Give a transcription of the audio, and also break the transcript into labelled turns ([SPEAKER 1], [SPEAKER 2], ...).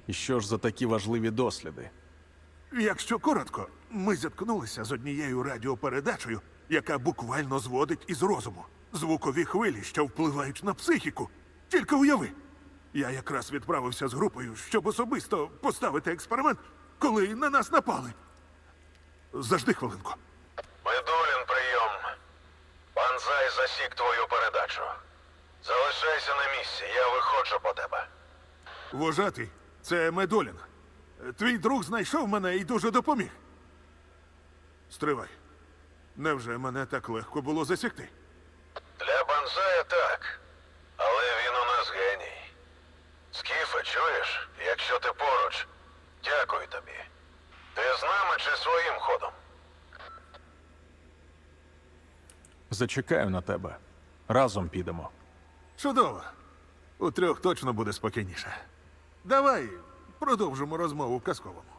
[SPEAKER 1] І що ж за такі важливі досліди?
[SPEAKER 2] Якщо коротко, ми зіткнулися з однією радіопередачею, яка буквально зводить із розуму. Звукові хвилі, що впливають на психіку. Тільки уяви. Я якраз відправився з групою, щоб особисто поставити експеримент, коли на нас напали. Зажди хвилинку.
[SPEAKER 3] Медулін, прийом. Банзай засік твою передачу. Залишайся на місці, я виходжу по тебе.
[SPEAKER 2] Вожатий, це Медолін. Твій друг знайшов мене і дуже допоміг. Стривай. Невже мене так легко було засікти?
[SPEAKER 3] Для Банзая так. Але він у нас геній. Скіфе, чуєш? Якщо ти поруч, дякую тобі. Ти з нами чи своїм ходом?
[SPEAKER 1] Зачекаю на тебе. Разом підемо.
[SPEAKER 2] Чудово. У трьох точно буде спокійніше. Давай продовжимо розмову в казковому.